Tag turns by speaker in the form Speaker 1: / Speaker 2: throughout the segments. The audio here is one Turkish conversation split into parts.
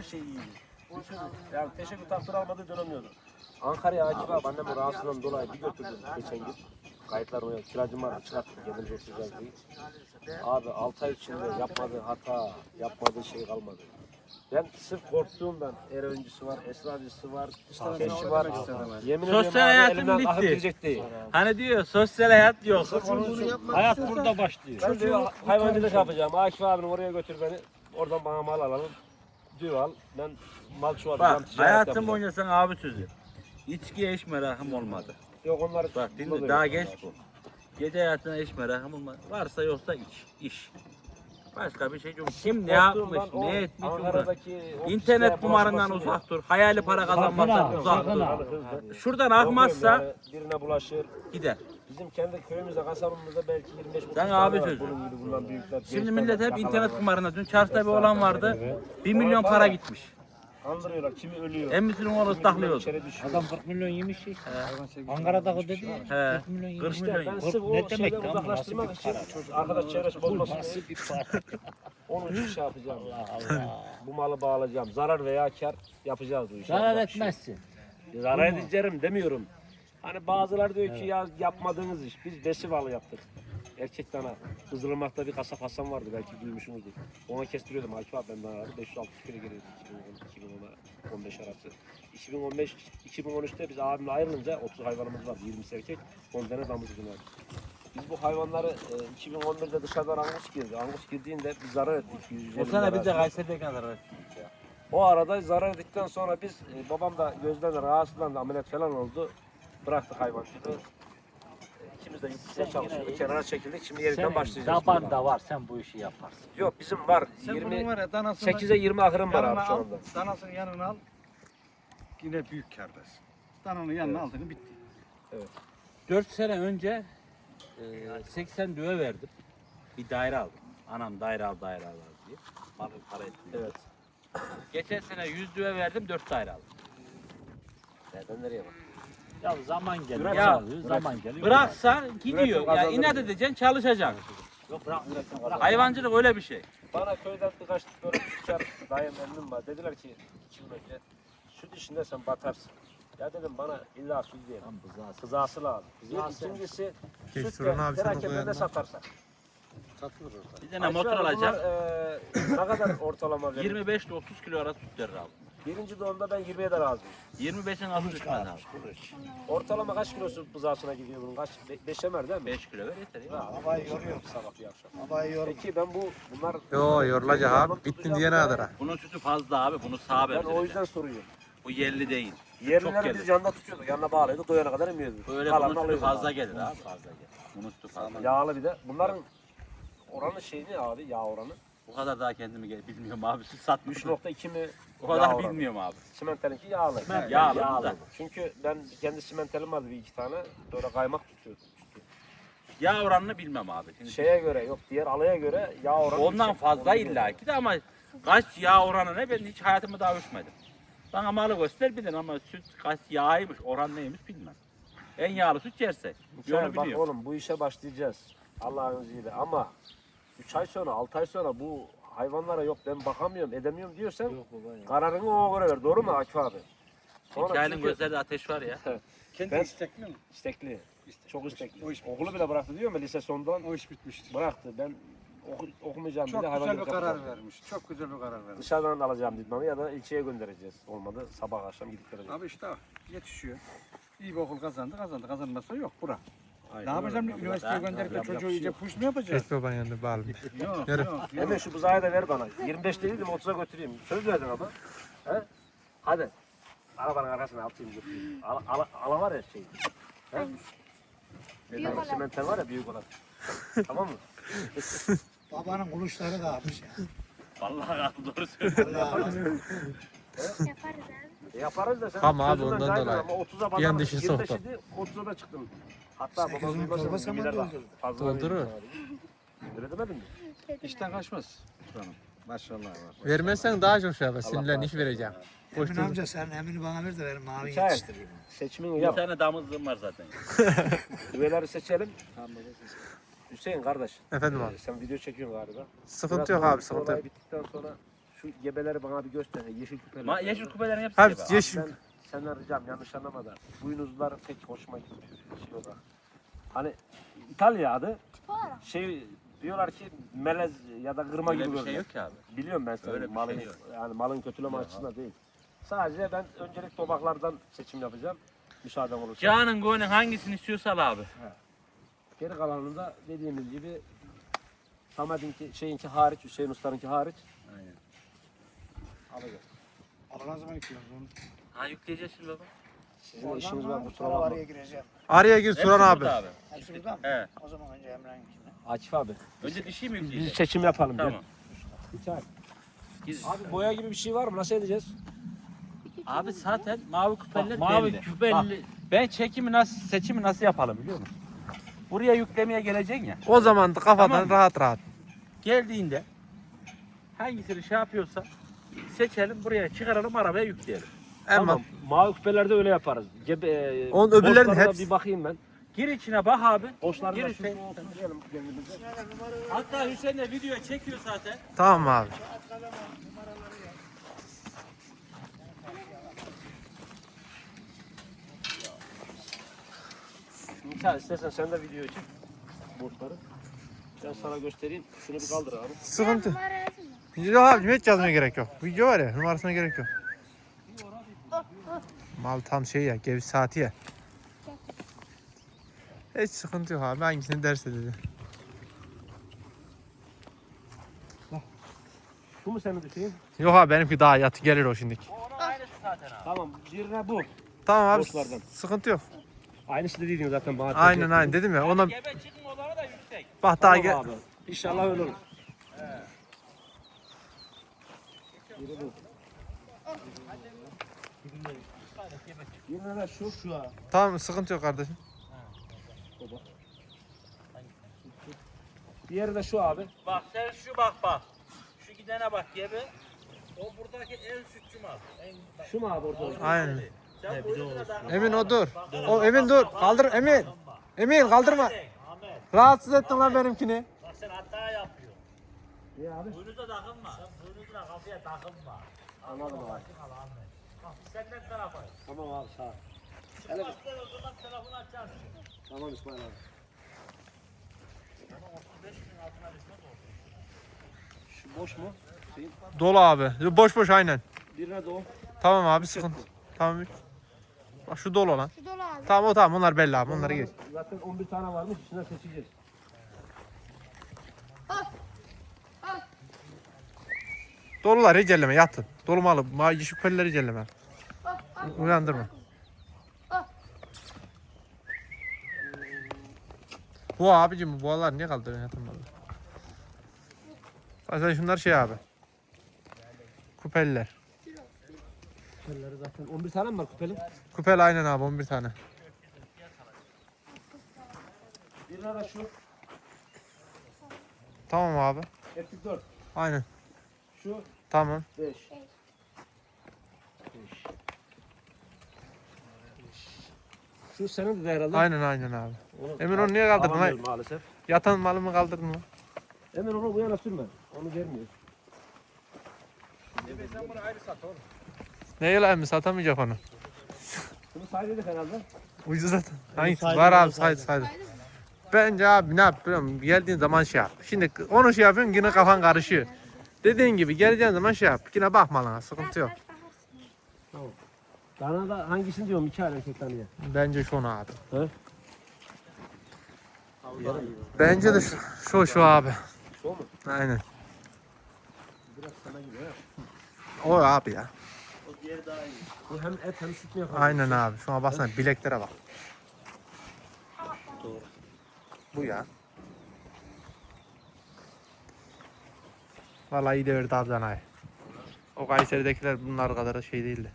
Speaker 1: her şey iyiydi. Yani teşekkür takdir almadığı dönemiyordu. Ankara'ya Akif abi annemin rahatsızlığından dolayı bir götürdüm geçen gün. Kayıtlar oraya kiracım vardı çıkarttım kendimize oturacağız diye. Abi 6 ay içinde yapmadığı hata, yapmadığı şey kalmadı. Ben sırf korktuğumdan er öncüsü var, esrarcısı var, keşi var. Yemin ediyorum
Speaker 2: Sosyal
Speaker 1: abi
Speaker 2: hayatım
Speaker 1: elimden
Speaker 2: bitti.
Speaker 1: akıp gidecek değil.
Speaker 2: Hani diyor sosyal hayat yok.
Speaker 3: Hayat burada başlıyor.
Speaker 1: Ben diyor hayvancılık yapacağım. Akif abini oraya götür beni. Oradan bana mal alalım. Diyor al. Ben mal çoğaltacağım,
Speaker 2: Bak
Speaker 1: ticaret
Speaker 2: hayatım
Speaker 1: yapacağım.
Speaker 2: boyunca sana abi sözü. İçkiye hiç merakım olmadı.
Speaker 1: Yok onlar
Speaker 2: Bak dinle daha genç bu. Gece hayatına hiç merakım olmadı. Varsa yoksa iş. Başka bir şey yok. Kim ne yapmış, ne etmiş umurumda. İnternet kumarından uzak dur. Hayali para kazanmaktan uzak dur. Şuradan akmazsa
Speaker 1: birine bulaşır.
Speaker 2: gider.
Speaker 1: Bizim kendi köyümüzde, kasabamızda belki 25-30
Speaker 2: Sen
Speaker 1: tane
Speaker 2: abi
Speaker 1: var.
Speaker 2: sözü.
Speaker 1: Bunun gibi bundan büyükler.
Speaker 2: Şimdi
Speaker 1: gençler
Speaker 2: millet
Speaker 1: var,
Speaker 2: hep
Speaker 1: yakalar
Speaker 2: internet
Speaker 1: var.
Speaker 2: kumarına. Dün çarşıda bir olan vardı. 1 milyon para gitmiş.
Speaker 1: Kandırıyorlar. Kimi ölüyor.
Speaker 2: Emmisinin oğlu ıslaklıyordu.
Speaker 1: İçeri düşüyor.
Speaker 3: Adam 40 milyon yemiş şey. Ankara'da o dedi ya.
Speaker 2: He.
Speaker 3: 40 milyon yemiş.
Speaker 2: 40
Speaker 1: İşte
Speaker 2: milyon
Speaker 1: ben
Speaker 2: yemiş.
Speaker 1: sırf o
Speaker 3: Ne demek
Speaker 1: şeyden
Speaker 3: lan bu?
Speaker 1: uzaklaştırmak
Speaker 3: Nasıl
Speaker 1: için
Speaker 3: bir para?
Speaker 1: çocuk, arkadaş çevresi bozmasın
Speaker 3: Nasıl
Speaker 1: diye
Speaker 3: bir para?
Speaker 1: onun için şey yapacağım.
Speaker 3: Allah.
Speaker 1: Bu malı bağlayacağım. Zarar veya kar yapacağız bu işi.
Speaker 3: Zarar
Speaker 1: Yapmak bir şey yok.
Speaker 3: etmezsin.
Speaker 1: Zarar edeceğim demiyorum. Hani bazıları diyor ki ya yapmadığınız iş. Biz besivalı yaptık. Erkek dana. Kızılırmak'ta bir kasap Hasan vardı belki duymuşsunuzdur. Ona kestiriyordum Akif abi ben danaları 500-600 kilo geliyordu 2010'a 15 arası. 2013'te biz abimle ayrılınca 30 hayvanımız vardı 20 erkek 10 tane damızlık vardı. Biz bu hayvanları 2011'de dışarıdan Angus girdi. Angus girdiğinde biz zarar ettik. 150
Speaker 2: O sene biz de
Speaker 1: lira.
Speaker 2: Kayseri'deyken zarar ettik.
Speaker 1: O arada zarar ettikten sonra biz babam da gözden rahatsızlandı ameliyat falan oldu. Bıraktık hayvancılığı. İkimiz de yurt dışına çalışıyorduk. Kenara çekildik. Şimdi yeniden
Speaker 3: Senin
Speaker 1: başlayacağız.
Speaker 3: daban da var sen bu işi yaparsın.
Speaker 1: Yok bizim var.
Speaker 4: Sen bunun var ya danasını
Speaker 1: 8'e 20 ahırım var
Speaker 4: yanına
Speaker 1: abi şu
Speaker 4: al,
Speaker 1: anda.
Speaker 4: danasını yanına al. Yine büyük kârdasın. Dananın yanına aldın bitti.
Speaker 2: 4 sene önce 80 düve verdim. Bir daire aldım. Anam daire al diye. Para etmiyor.
Speaker 1: Evet.
Speaker 2: Geçen sene 100 düve verdim 4 daire aldım.
Speaker 1: Nereden nereye bak.
Speaker 3: Ya zaman geliyor.
Speaker 1: Üret
Speaker 3: Ya,
Speaker 1: abi,
Speaker 3: zaman geliyor.
Speaker 2: Bıraksa gidiyor.
Speaker 1: Üretim
Speaker 2: Ya
Speaker 1: kazandırır.
Speaker 2: inat edeceksin çalışacaksın.
Speaker 3: Yok bırak bırak.
Speaker 2: Hayvancılık öyle bir şey.
Speaker 1: Bana köyden birkaç böyle tüccar dayım emmim var. Dediler ki 2 yıl önce süt işinde sen batarsın. Ya dedim bana illa süt değil. Kızası lazım. İkincisi süt de perakende satarsak.
Speaker 2: Bir tane motor alacağım.
Speaker 1: Ne kadar ortalama verir?
Speaker 2: 25 ile 30 kilo arası süt verir abi.
Speaker 1: Birinci doğumda ben 20'ye de razıyım.
Speaker 2: 25'in altı düşmez abi.
Speaker 1: Ortalama kaç kilosu buzağısına gidiyor bunun? Kaç? 5 emer değil mi?
Speaker 2: 5 kilo ver yeter ya.
Speaker 1: Havayı yoruyorum sabah bir akşam. Peki ben bunlar...
Speaker 5: Yo yorulacak abi. Bittin diye ne kadar?
Speaker 2: Bunun sütü fazla abi. Bunu sağa
Speaker 1: Ben o
Speaker 2: vereceğim.
Speaker 1: yüzden soruyorum.
Speaker 2: Bu yerli değil.
Speaker 1: Yerlileri
Speaker 2: gelir.
Speaker 1: biz yanında tutuyorduk. Yanına bağlıyorduk. Doyana kadar emiyorduk.
Speaker 2: Böyle
Speaker 1: Kalanını
Speaker 2: bunun sütü
Speaker 1: alıyorduk
Speaker 2: fazla
Speaker 1: abi.
Speaker 2: gelir abi. Fazla gelir. Bunun sütü fazla.
Speaker 1: Yağlı bir de. Bunların oranı şey ne abi? Yağ oranı.
Speaker 2: Bu kadar daha kendimi bilmiyorum abi. Süt satmışım.
Speaker 1: 3.2 mi?
Speaker 2: O kadar
Speaker 1: yağ oranı?
Speaker 2: bilmiyorum abi.
Speaker 1: Simentelinki yağlı.
Speaker 2: Yağlı da.
Speaker 1: Çünkü ben kendi simentelim vardı bir iki tane. Böyle kaymak tutuyordum.
Speaker 2: Yağ oranını bilmem abi. Şimdi
Speaker 1: Şeye göre yok diğer alaya göre yağ oranı.
Speaker 2: ondan
Speaker 1: yüksek.
Speaker 2: fazla
Speaker 1: Onu biliyorum.
Speaker 2: illaki de ama kaç yağ oranı ne ben hiç hayatımda daha ölçmedim. Bana malı göster bilin ama süt kaç yağıymış oran neymiş bilmem. En yağlı süt yersek.
Speaker 1: Güzel,
Speaker 2: Yolu
Speaker 1: bak
Speaker 2: biliyorum.
Speaker 1: oğlum bu işe başlayacağız. Allah'ın izniyle ama 3 ay sonra 6 ay sonra bu hayvanlara yok ben bakamıyorum edemiyorum diyorsan kararını ona göre ver. Doğru mu Akif abi?
Speaker 2: Hikayenin
Speaker 1: çünkü
Speaker 2: gözlerinde ateş var ya.
Speaker 4: Kendi
Speaker 1: Ben-
Speaker 4: istekli mi?
Speaker 1: istekli. Çok istekli.
Speaker 4: O iş bitmiş.
Speaker 1: Okulu bile bıraktı diyor mu lise sondan
Speaker 4: O iş bitmiştir.
Speaker 1: bıraktı. Ben okumayacağım
Speaker 4: Çok
Speaker 1: bile
Speaker 4: güzel bir
Speaker 1: hayvancılık
Speaker 4: karar
Speaker 1: yapacağım.
Speaker 4: vermiş. Çok güzel bir karar vermiş.
Speaker 1: Dışarıdan alacağım diplomayı ya da ilçeye göndereceğiz. Olmadı sabah akşam gidip geleceğiz.
Speaker 4: Abi işte yetişiyor. İyi bir okul kazandı. Kazanmazsa yok bura.
Speaker 1: Aynen
Speaker 4: Ne yapacağım?
Speaker 1: öyle.
Speaker 4: Üniversiteye
Speaker 2: Ben-
Speaker 4: gönderip de
Speaker 1: yapacak
Speaker 4: çocuğu
Speaker 1: bir şey
Speaker 4: iyice
Speaker 1: yok.
Speaker 4: push mu yapacağız?
Speaker 5: Kes babanın yanında bağlı.
Speaker 4: Yok,
Speaker 5: Yürü.
Speaker 4: yok,
Speaker 1: Hemen
Speaker 4: yok.
Speaker 1: şu buzağı da ver bana. 25 değildim 30'a götüreyim. Söz verdin ama. He? Hadi. Arabanın arkasına atayım götüreyim. Ala var ya şey. He?
Speaker 6: Büyük olan.
Speaker 1: Simenter var ya büyük olan. Tamam mı?
Speaker 7: Babanın kuluşları da almış ya.
Speaker 2: Vallahi abi doğru söylüyorsun.
Speaker 6: Yaparız abi.
Speaker 1: Yaparız da sen
Speaker 5: Tamam abi,
Speaker 1: sözünden
Speaker 5: ondan
Speaker 1: caydın
Speaker 5: dolayı.
Speaker 1: ama 30'a
Speaker 5: Bir an
Speaker 1: bana
Speaker 5: dışı
Speaker 1: 25
Speaker 5: soktu.
Speaker 1: idi 30'a da çıktım. Hatta
Speaker 7: Sekiz
Speaker 1: babam
Speaker 7: bin
Speaker 1: duymasın,
Speaker 7: torba saman
Speaker 1: gibiler bak.
Speaker 7: doldurdu.
Speaker 1: Fazla
Speaker 5: Doldurur.
Speaker 1: vereyim sana. Öyle demedin mi?
Speaker 4: İşten kaçmaz. Canım. Maşallah var.
Speaker 5: Vermezsen daha çok şey yapar. Sinirlen iş vereceğim. Boş
Speaker 7: Emin
Speaker 5: dur.
Speaker 7: amca sen Emin'i bana ver de benim mavi
Speaker 1: Hikaye.
Speaker 7: yetiştireyim.
Speaker 1: Seçimini
Speaker 2: Bir
Speaker 1: yap.
Speaker 2: tane damızlığım var zaten.
Speaker 1: Üyeleri seçelim. Hüseyin kardeş.
Speaker 5: Efendim abi.
Speaker 1: Sen video çekiyorsun galiba.
Speaker 5: Sıkıntı
Speaker 1: Biraz
Speaker 5: yok
Speaker 1: sonra
Speaker 5: abi sıkıntı
Speaker 1: olay
Speaker 5: yok.
Speaker 1: bittikten sonra Şu gebeleri bana bir göster. Yeşil küpeler.
Speaker 2: Yeşil kupelerin hepsi
Speaker 5: Hep
Speaker 2: gibi.
Speaker 5: yeşil.
Speaker 1: Ben senden ricam yanlış anlama da. Boynuzlar pek hoşuma gitmiyor. Şey olarak. Hani İtalya adı
Speaker 6: Tip olarak.
Speaker 1: şey diyorlar ki melez ya da kırma
Speaker 2: Öyle
Speaker 1: gibi
Speaker 2: bir şey
Speaker 1: görünüyor.
Speaker 2: yok ki abi.
Speaker 1: Biliyorum ben
Speaker 2: Öyle
Speaker 1: senin
Speaker 2: bir
Speaker 1: malın
Speaker 2: şey yok.
Speaker 1: yani malın kötüleme açısından değil. Sadece ben öncelik tobaklardan seçim yapacağım. Müsaaden olursa.
Speaker 2: Canın gönlün hangisini istiyorsa al abi.
Speaker 1: Geri kalanında dediğimiz gibi Samet'inki şeyinki hariç, Hüseyin Usta'nınki hariç
Speaker 2: Aynen.
Speaker 1: alacağız.
Speaker 7: Allah'ın zaman yıkıyoruz onu.
Speaker 2: Ha yükleyeceğiz şimdi baba.
Speaker 1: Sizin işiniz var kusura
Speaker 7: Sonra
Speaker 1: bakma.
Speaker 7: araya gireceğim.
Speaker 5: Araya gir
Speaker 2: Hepsi
Speaker 5: Turan abi.
Speaker 2: burada
Speaker 7: Hepsi burada mı?
Speaker 2: He.
Speaker 7: O zaman önce Emre'ninkine.
Speaker 1: Akif abi.
Speaker 2: Önce dişi mi
Speaker 1: Biz
Speaker 2: yükleyeceğiz?
Speaker 1: seçim yapalım.
Speaker 2: Tamam.
Speaker 1: Bir çay.
Speaker 2: Giz-
Speaker 1: Abi boya gibi bir şey var mı? Nasıl edeceğiz?
Speaker 2: Abi zaten mavi küpeller
Speaker 3: mavi
Speaker 2: belli.
Speaker 3: küpeli.
Speaker 2: Ben seçimi nasıl yapalım biliyor musun? Buraya yüklemeye geleceksin ya.
Speaker 5: O zaman da kafadan
Speaker 2: Tamam.
Speaker 5: rahat rahat.
Speaker 2: Geldiğinde hangisini şey yapıyorsa seçelim buraya çıkaralım arabaya yükleyelim.
Speaker 5: Ama
Speaker 1: Tamam. Mavi küpelerde öyle yaparız.
Speaker 5: Onun öbürlerin
Speaker 1: boşlarına
Speaker 5: hepsi-
Speaker 1: bir bakayım ben.
Speaker 2: Gir içine bak abi.
Speaker 1: Boşlarına
Speaker 2: Gir
Speaker 1: şu
Speaker 2: Hüseyin.
Speaker 1: oturtmayalım kendimize.
Speaker 2: Hatta Hüseyin de video çekiyor zaten.
Speaker 5: tamam abi.
Speaker 1: Mikael istersen sen de video çek. Boşları. Ben sana göstereyim. Şunu bir kaldır abi.
Speaker 5: Sıkıntı.
Speaker 6: Numara yazın mı?
Speaker 5: Yok abi hiç yazmaya gerek yok. Video var ya numarasına gerek yok. Mal tam şey ya geviş saati ya. Hiç sıkıntı yok abi hangisini derse dedi.
Speaker 1: Şu mu senin düşeyim?
Speaker 5: Yok abi benimki daha yatı gelir o şimdiki.
Speaker 2: Onun aynısı zaten abi.
Speaker 1: Tamam. Birine bu.
Speaker 5: Tamam abi
Speaker 1: Boşlardan.
Speaker 5: sıkıntı yok.
Speaker 1: Aynısı dediğin zaten bana.
Speaker 5: Aynen aynen dedim ya ona
Speaker 2: Gebe çıkmaları da yüksek.
Speaker 5: bak daha
Speaker 1: Tamam abi. İnşallah öyle olur. Biri bu. Birine de şu.
Speaker 5: tamam sıkıntı yok kardeşim.
Speaker 1: Diğeri de şu abi.
Speaker 2: Bak sen şu bak. Şu gidene bak gebe. O buradaki en sütçü mal.
Speaker 1: Şu mu abi orada?
Speaker 5: Aynen.
Speaker 2: Sen boynuna da
Speaker 5: Emin o dur. O Emin dur. Kaldır Emin. Emin kaldırma.
Speaker 3: Ahmet.
Speaker 5: Rahatsız ettin lan benimkini.
Speaker 3: Bak sen hata yapıyorsun.
Speaker 1: İyi abi.
Speaker 3: Boynuza takılma. Sen boynuzuna kafaya takılma.
Speaker 1: Anladım abi.
Speaker 3: Al Ahmet. Bak senden tarafa.
Speaker 1: Tamam abi sağ ol.
Speaker 3: Bak sen o zaman telefonu açarsın.
Speaker 1: Tamam İsmail abi.
Speaker 3: Ama 35 bin altına düşmez oldu.
Speaker 1: Şu boş mu? Hüseyin.
Speaker 5: Dolu abi. Boş boş aynen.
Speaker 1: Birine de o.
Speaker 5: Tamam abi sıkıntı. Tamam. Bak şu dolu lan.
Speaker 6: Şu dolu abi.
Speaker 5: Tamam o tamam onlar belli abi onları geç.
Speaker 1: Zaten 11 tane varmış. İçinden seçeceğiz.
Speaker 5: Dolular hiç elleme yatın. Dolu malı. Yeşil küpeleri hiç elleme. Uyandırma. Bu abicim bu boğalar niye kaldırıyorsun yatın malı? Sen şunlar şey abi. Kupeliler.
Speaker 1: Küpeleri zaten 11 tane mi var küpeli?
Speaker 5: Kupel aynen abi 11 tane.
Speaker 1: Birine de şu.
Speaker 5: Tamam abi.
Speaker 1: Hepsi 4.
Speaker 5: Aynen.
Speaker 1: Şu
Speaker 5: Tamam.
Speaker 1: 5. Şu senin de herhalde.
Speaker 5: Aynen aynen abi.
Speaker 1: Onu
Speaker 5: Emin onu niye kaldırdın
Speaker 1: alamıyorum
Speaker 5: lan?
Speaker 1: maalesef.
Speaker 5: Yatan malımı kaldırdın mı?
Speaker 1: Emin onu bu yana sürme. Onu vermiyor.
Speaker 4: Sen bunu ayrı sat oğlum.
Speaker 5: Neyle emmi satamayacak onu.
Speaker 1: Bunu saydık herhalde.
Speaker 5: Ucuz zaten. Hangisi? Var abi saydı. Bence abi ne yap biliyor musun? Geldiğin zaman şey yap. Şimdi onu şey yapıyorsun yine kafan karışıyor. Dediğin gibi geleceğin zaman şey yap. Yine bakma lan sıkıntı yok.
Speaker 1: Bana da hangisini diyorum 2 ay erkek tanıya.
Speaker 5: Bence şu abi.
Speaker 1: He?
Speaker 5: Bence de şu abi.
Speaker 1: Şu mu?
Speaker 5: Aynen.
Speaker 1: Biraz sana gibi ha.
Speaker 5: O abi ya.
Speaker 3: O diğeri daha iyi.
Speaker 1: Bu hem et hem süt mü yapar?
Speaker 5: Aynen abi. Şuna baksana bileklere bak. Bu ya. Vallahi iyi de verdi abi danayı. O Kayseri'dekiler bunlar kadar şey değildi.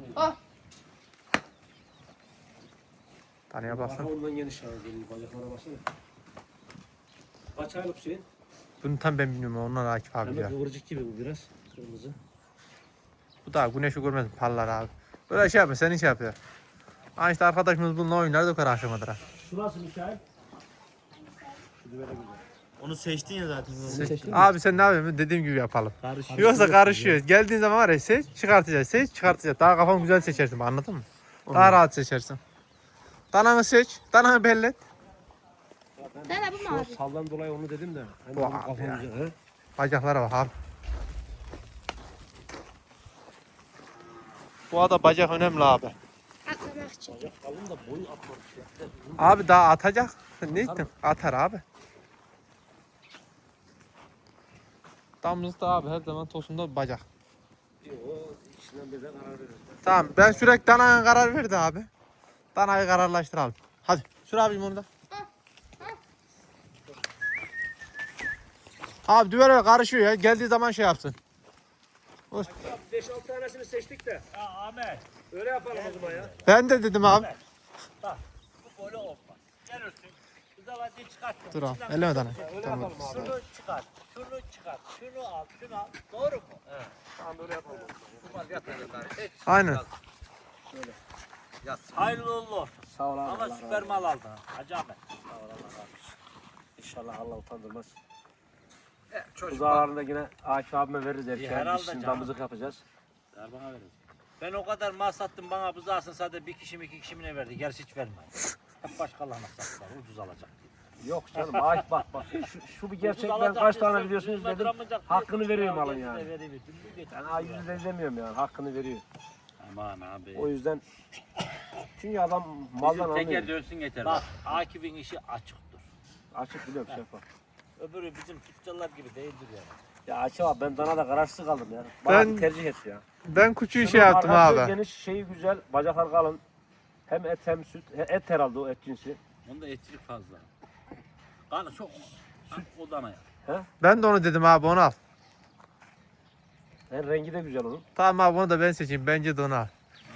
Speaker 5: Tanıya
Speaker 1: Bak
Speaker 5: baksana.
Speaker 1: ondan geniş yani geliyor. Bacaklara baksana. Kaç aylık Hüseyin?
Speaker 5: Bunu tam ben bilmiyorum. Onlar Akif abi
Speaker 1: Hem
Speaker 5: ya.
Speaker 1: de kıvırcık gibi bu biraz. Kırmızı.
Speaker 5: Bu da güneşi görmez parlar abi. Böyle şey yapma senin şey yapıyor. Ha işte arkadaşımız bununla oynar döker akşamadır ha.
Speaker 1: Şu nasıl Mikael? Şu da böyle güzel.
Speaker 8: Onu seçtin ya zaten.
Speaker 5: Abi sen ne yapıyorsun? Dediğim gibi yapalım. Yoksa karışıyor. Geldiğin zaman var ya seç, çıkartacağız. Seç, çıkartacağız. Daha kafan güzel seçersin, anladın mı? Daha rahat seçersin. Dananı seç, dananı bellet.
Speaker 6: Dana bu mu abi?
Speaker 1: Saldan dolayı onu dedim de. Hani
Speaker 5: Bu
Speaker 1: benim
Speaker 5: abi
Speaker 1: kafam
Speaker 5: ya.
Speaker 1: güzel. He?
Speaker 5: Bacaklara bak abi. Bu arada bacak önemli abi.
Speaker 6: Atlamak için.
Speaker 1: Kalın da boyu atmamış ya.
Speaker 5: Abi daha atacak. Sen ne ettin? Atar abi. Damızda abi her zaman tosunda bacak.
Speaker 1: O ikisinden birden karar verir.
Speaker 5: Tamam ben sürekli danaya karar verdi abi. Danayı kararlaştıralım. Hadi sür abicim onu da. Abi düvel karışıyor ya. Geldiği zaman şey yapsın.
Speaker 1: 5-6 tanesini seçtik de.
Speaker 3: Ya Ahmet.
Speaker 1: Öyle yapalım o zaman ya.
Speaker 5: Ben de dedim abi.
Speaker 3: Bu böyle olmaz. Gelirsin. Bu zaman çıkart.
Speaker 5: Dur abi. Elleme danayı.
Speaker 1: Öyle
Speaker 5: Tamam.
Speaker 1: yapalım abi.
Speaker 3: Şunu çıkart. Şunu çıkart. Şunu al. Şunu al. Doğru mu?
Speaker 1: Tamam öyle yapalım.
Speaker 5: Aynen.
Speaker 3: Hayırlı uğurlu olsun.
Speaker 1: Sağ ol abi.
Speaker 3: Ama
Speaker 1: Allah
Speaker 3: süper
Speaker 1: razı olsun.
Speaker 3: mal aldın. ha. Hacı Ahmet.
Speaker 1: Sağ ol Allah razı olsun. İnşallah Allah utandırmaz.
Speaker 4: Çocuk
Speaker 1: Buzalarında yine Akif abime veririz erkeğe.
Speaker 3: herhalde
Speaker 1: Biz şimdi
Speaker 3: canım.
Speaker 1: damızlık yapacağız.
Speaker 3: Ver bana verin. Ben o kadar mal sattım bana buzağısın sadece bir kişi mi iki kişi mi ne verdi? Gerisi hiç vermedi. Hep başkalarına sattılar. Ucuz alacak diye.
Speaker 1: Yok canım Akif bak. Şu bir gerçek,
Speaker 3: Ucuz
Speaker 1: ben
Speaker 3: alacak
Speaker 1: kaç
Speaker 3: diye
Speaker 1: tane
Speaker 3: sen
Speaker 1: biliyorsunuz
Speaker 3: ucuzla
Speaker 1: dedim.
Speaker 3: duramayacak diye
Speaker 1: Hakkını veriyor
Speaker 3: ya,
Speaker 1: malın
Speaker 3: gerisi de
Speaker 1: yani.
Speaker 3: veriyor. Dümdüz
Speaker 1: Ben A100 demiyorum yani, hakkını veriyor.
Speaker 2: Aman abi.
Speaker 1: O yüzden çünkü adam maldan
Speaker 2: Bizim teker
Speaker 1: anlıyor.
Speaker 2: dönsün yeter.
Speaker 3: Bak Akif'in işi açıktır.
Speaker 1: Açık biliyorum şeffaf.
Speaker 3: Öbürü bizim tüccarlar gibi değildir yani.
Speaker 1: Ya Akif abi ben Dana'da kararsız kaldım ya. Bana
Speaker 5: Ben-
Speaker 1: bir tercih et ya.
Speaker 5: Ben kuçuyu
Speaker 1: Şunun
Speaker 5: şey yaptım
Speaker 1: arkası
Speaker 5: abi.
Speaker 1: Geniş, şeyi güzel, bacaklar kalın. Hem et hem süt. Et herhalde o et cinsi.
Speaker 2: Onda etçilik fazla. Kanı çok o dana ya.
Speaker 5: Ben de onu dedim abi, onu al.
Speaker 1: Hem rengi de güzel onun.
Speaker 5: Tamam abi, onu da ben seçeyim. Bence de onu al.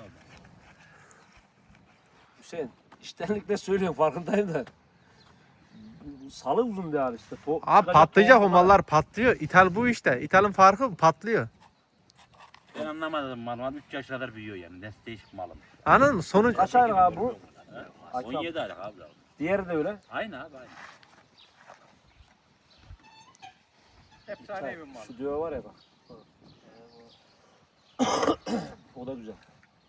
Speaker 1: Hüseyin, iştenlikle söylüyorum farkındayım da. Salı uzun bir abi işte.
Speaker 5: Abi patlayacak o mallar, patlıyor. İthal bu işte. İthalın farkı patlıyor.
Speaker 2: Ben anlamadım malım. 3 yaş kadar büyüyor yani. Nesli değişik malım.
Speaker 5: Anladın mı? Sonuç
Speaker 1: Kaç aylık abi bu? Akif abi.
Speaker 2: 17 aylık abi.
Speaker 1: Diğeri de öyle.
Speaker 2: Aynı abi aynı.
Speaker 4: efsane bir mal.
Speaker 1: Şu düve var ya bak. O da güzel.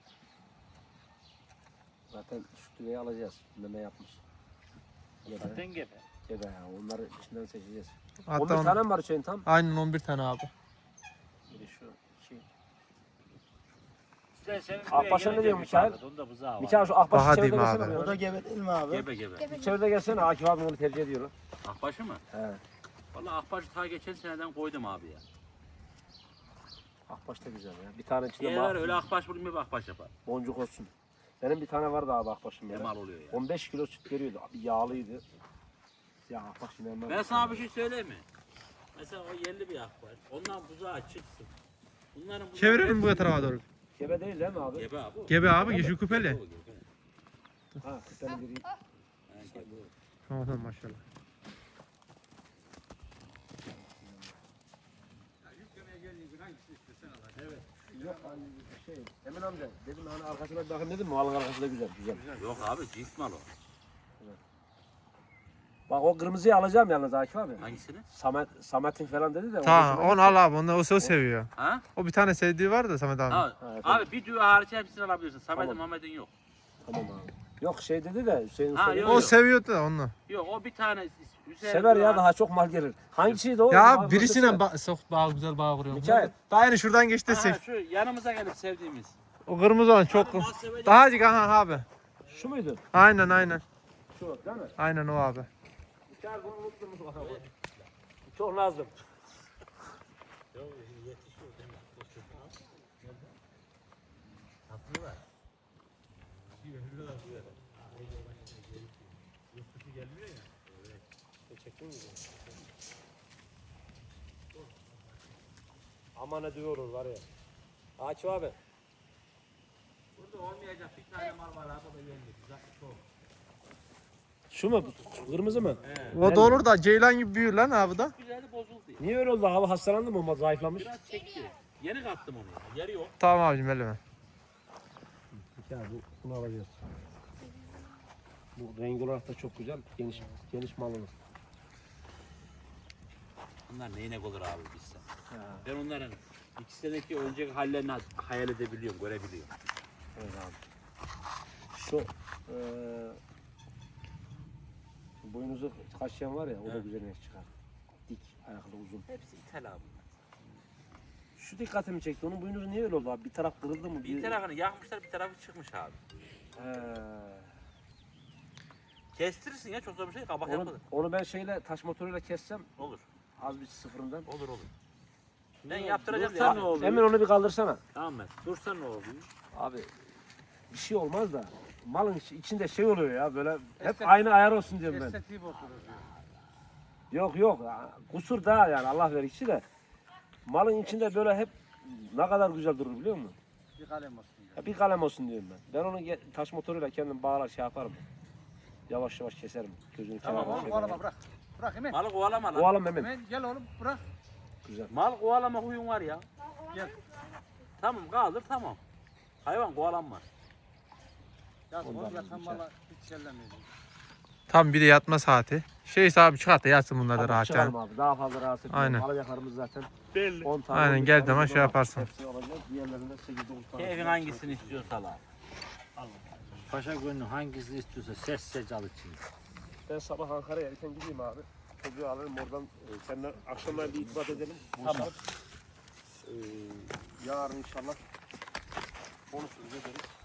Speaker 1: Zaten şu düveyi alacağız. Meme yapmış. Gebe.
Speaker 3: Zaten gebe.
Speaker 1: Gebe ya. Onları içinden seçeceğiz.
Speaker 5: hatta
Speaker 1: 11 tane mi var Hüseyin tam?
Speaker 5: aynen 11 tane abi.
Speaker 1: Biri şu. İki.
Speaker 3: İşte senin
Speaker 1: Akbaş'a
Speaker 3: buraya
Speaker 1: ne diyor
Speaker 3: gelince
Speaker 1: Mikail?
Speaker 3: bir onda buzağı var.
Speaker 1: Mikael şu
Speaker 5: Daha
Speaker 1: Akbaş'ı çevrede
Speaker 5: diyeyim
Speaker 1: gelsene.
Speaker 5: abi.
Speaker 1: bir
Speaker 7: O da gebe değil mi abi?
Speaker 2: Gebe gebe.
Speaker 1: Çevrede gelsene. Akif abi onu tercih ediyor.
Speaker 2: Akbaşı mı?
Speaker 1: He.
Speaker 2: Vallahi akbaşı ta geçen seneden koydum abi ya.
Speaker 1: Akbaş da güzel ya. Bir tane içinde
Speaker 2: Eğer öyle akbaş bulunmuyor akbaş yapar.
Speaker 1: boncuk olsun. Benim bir tane vardı abi Akbaş'ım
Speaker 2: Ne
Speaker 1: böyle.
Speaker 2: mal oluyor ya.
Speaker 1: 15 kilo süt veriyordu. Abi yağlıydı. Ya Akbaş inanmam.
Speaker 2: Ben sana bir şey söyleyeyim mi? Mesela o yerli bir akbaş. Ondan buzağı çıksın. Bunların buzağı
Speaker 5: Çevirelim bu
Speaker 2: hepsi-
Speaker 5: tarafa doğru.
Speaker 1: Gebe değil mi abi?
Speaker 2: Gebe abi. o.
Speaker 5: Gebe abi, yeşil küpeli.
Speaker 2: O gebe.
Speaker 1: Ha, küpenin biri.
Speaker 2: Ha, gebe o.
Speaker 5: Tamam maşallah.
Speaker 1: Yok hani şey. Emin amca dedim hani arkasına bir bakın dedim mi? Malın arkası da güzel. Güzel.
Speaker 2: Yok abi cins mal o.
Speaker 1: Bak o kırmızıyı alacağım yalnız Akif abi.
Speaker 2: Hangisini?
Speaker 1: Samet'in falan dedi de.
Speaker 5: Tamam
Speaker 1: hoşuma
Speaker 5: onu al abi, onu o seviyor.
Speaker 2: Ha?
Speaker 5: O bir tane sevdiği var da Samet abi.
Speaker 2: Ha,
Speaker 1: Evet,
Speaker 2: abi bir düğü hariç hepsini alabilirsin. Samet'in
Speaker 1: Tamam.
Speaker 2: Mehmet'in yok.
Speaker 1: Tamam abi. Yok şey dedi de Hüseyin
Speaker 2: Ha,
Speaker 1: söyledi.
Speaker 2: yok,
Speaker 5: O
Speaker 2: yok.
Speaker 5: seviyordu da onu.
Speaker 2: Yok o bir tane Hüseyin
Speaker 1: Sever
Speaker 2: düğü
Speaker 1: ya
Speaker 2: hariç-
Speaker 1: daha çok mal gelir. Hangisiydi o?
Speaker 5: Ya
Speaker 1: Bana
Speaker 5: abi birisine
Speaker 1: göstersene.
Speaker 5: sok bağ, güzel bağ kuruyor.
Speaker 1: Mikail.
Speaker 5: Daha yeni şuradan geçti de
Speaker 2: Ha,
Speaker 5: seç.
Speaker 2: şu yanımıza gelip sevdiğimiz.
Speaker 5: O kırmızı olan çok.
Speaker 2: Abi, mal sevecek.
Speaker 5: Daha acık aha abi.
Speaker 1: Şu muydu?
Speaker 5: Aynen.
Speaker 1: Şu değil mi?
Speaker 5: Aynen o abi.
Speaker 1: Mikael bunu unuttunuz bakalım. Çok lazım. Aman ne diyoruz var ya. Akif abi.
Speaker 2: Burada olmayacak bir tane mal var abi o da yendik. Çok.
Speaker 1: Şu mu? Şu kırmızı mı?
Speaker 5: O da olur da ceylan gibi büyür lan abi da.
Speaker 2: Güzeli bozuldu.
Speaker 1: Niye öyle oldu? Hava hastalandı mı? O zayıflamış.
Speaker 2: Biraz çekti. Yeni kattım onu. ya. Yeri yok.
Speaker 5: Tamam abicim elime.
Speaker 1: Ya bunu alacağız. Bu renk olarak da çok güzel. Geniş mal olur.
Speaker 3: Bunlar neyine olur abi bizse.
Speaker 2: Ben onların 2 seneki önceki hallerini hayal edebiliyorum, görebiliyorum.
Speaker 1: Evet abi. Şu boynuzu kaşıyan var ya o da
Speaker 2: Evet.
Speaker 1: güzel inek çıkar. Dik, ayaklı, uzun.
Speaker 2: Hepsi ithal abi.
Speaker 1: Şu dikkatimi çekti. Onun boynuzu niye öyle oldu abi? Bir taraf kırıldı mı?
Speaker 2: Bir tarafını yakmışlar, bir tarafı çıkmış abi.
Speaker 1: He.
Speaker 2: Kestirirsin ya, çok zor bir şey, kabak
Speaker 1: Onu,
Speaker 2: yapılır.
Speaker 1: onu ben şeyle taş motoruyla kessem
Speaker 2: Olur,
Speaker 1: az bir sıfırından.
Speaker 2: olur. Ben yaptıracağım
Speaker 3: Dursa
Speaker 2: ya.
Speaker 3: ne oluyor?
Speaker 1: Hemen onu bir kaldırsana.
Speaker 3: Tamam mı? Dursa ne oluyor?
Speaker 1: Abi bir şey olmaz da malın içinde şey oluyor ya böyle hep aynı ayar olsun diyorum ben.
Speaker 4: Estetiği bozulur diyor.
Speaker 1: Yok kusur da yani Allah verikçi de malın içinde böyle hep ne kadar güzel durur biliyor musun?
Speaker 4: Bir kalem olsun diyor.
Speaker 1: Ya bir kalem olsun diyorum ben. Ben onu taş motoruyla kendim bağlar şey yaparım. Yavaş yavaş keserim. Gözünü
Speaker 4: Tamam
Speaker 1: kenarına
Speaker 4: oğlum kovalama bırak. Bırak hemen.
Speaker 2: Malı kovalama lan.
Speaker 1: Kovalım hemen.
Speaker 4: Hemen gel oğlum bırak.
Speaker 1: Güzel.
Speaker 2: Mal kovalama huyun var ya.
Speaker 4: Gel.
Speaker 2: Tamam, kaldır, tamam. Hayvan kovalanmaz.
Speaker 4: Yaz
Speaker 1: Ondan
Speaker 4: oğlum yatan
Speaker 1: güzel.
Speaker 4: mala hiç sellemiyor.
Speaker 5: Tam bir de yatma saati. Şey abi çıkart da yatsın bunlar da
Speaker 1: Tamam,
Speaker 5: rahat
Speaker 1: çıkalım
Speaker 5: yani.
Speaker 1: abi. Daha fazla rahatsız etmeyelim.
Speaker 5: Aynen.
Speaker 1: Alacaklarımız zaten
Speaker 3: Belli.
Speaker 1: 10 tane.
Speaker 5: Aynen,
Speaker 1: 12
Speaker 5: geldiği
Speaker 1: tane
Speaker 5: zaman
Speaker 1: burada
Speaker 5: şey
Speaker 1: var.
Speaker 5: yaparsın.
Speaker 1: Hepsi olacak. Diğerlerinde 8-9 tane.
Speaker 2: Keyfin hangisini istiyorsa al.
Speaker 3: Paşa gönlü hangisini istiyorsa ses al için.
Speaker 1: Ben sabah Ankara'ya erken gideyim abi. Çocuğu alırım oradan. Seninle akşamlar bir itibat edelim.
Speaker 3: Tamam.
Speaker 1: Yarın inşallah konuşuruz ederiz.